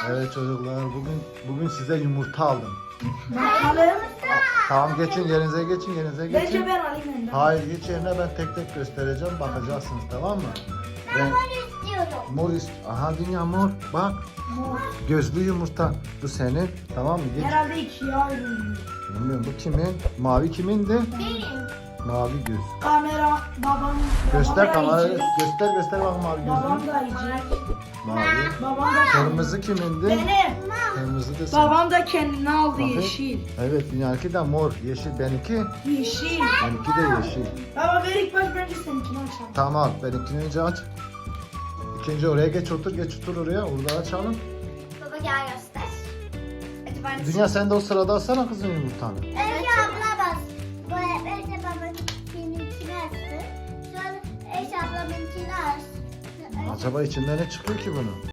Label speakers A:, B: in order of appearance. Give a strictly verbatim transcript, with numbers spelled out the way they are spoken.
A: Evet çocuklar, bugün bugün size yumurta aldım.
B: Bakalım.
A: Tamam, geçin yerinize, geçin yerinize
B: Bence
A: geçin.
B: ben alayım önden.
A: Hayır, geç yerine, ben tek tek göstereceğim, bakacaksınız, tamam mı? Ben
C: istiyorum.
A: mor ist- Aha dünya mor, bak.
B: Mor.
A: Gözlü yumurta. Bu senin, tamam mı? Geç.
B: Herhalde ikiye ayrılıyor.
A: Bilmiyorum, bu kimin? Mavi kimindi?
C: Benim.
A: Mavi göz.
B: Kamera babam.
A: Göster
B: babam da
A: kamerayı,
B: yiyecek.
A: göster göster bak mavi
B: Babam
A: gözlü.
B: da yiyecek.
A: Mavi.
B: Babam da
A: Kırmızı kimindi?
B: Benim.
A: Kırmızı da senin.
B: Babam da kendine aldı
A: Bakayım.
B: yeşil.
A: Evet, dünyaki de mor, yeşil, benimki.
B: Yeşil.
A: Benimki de yeşil.
B: Baba ver ilk baş bence seninkini açalım.
A: Tamam, benimkini önce aç. İkinci oraya geç otur, geç otur oraya, orada açalım.
C: Baba gel göster. Hadi ben
A: Dünya sen de o sırada alsana kızın yumurtanı.
C: Önce abla bas. Bu önce babamın benimkini açsın. Sonra Eş ablamınkini açsın.
A: Acaba içinden ne çıkıyor ki bunun?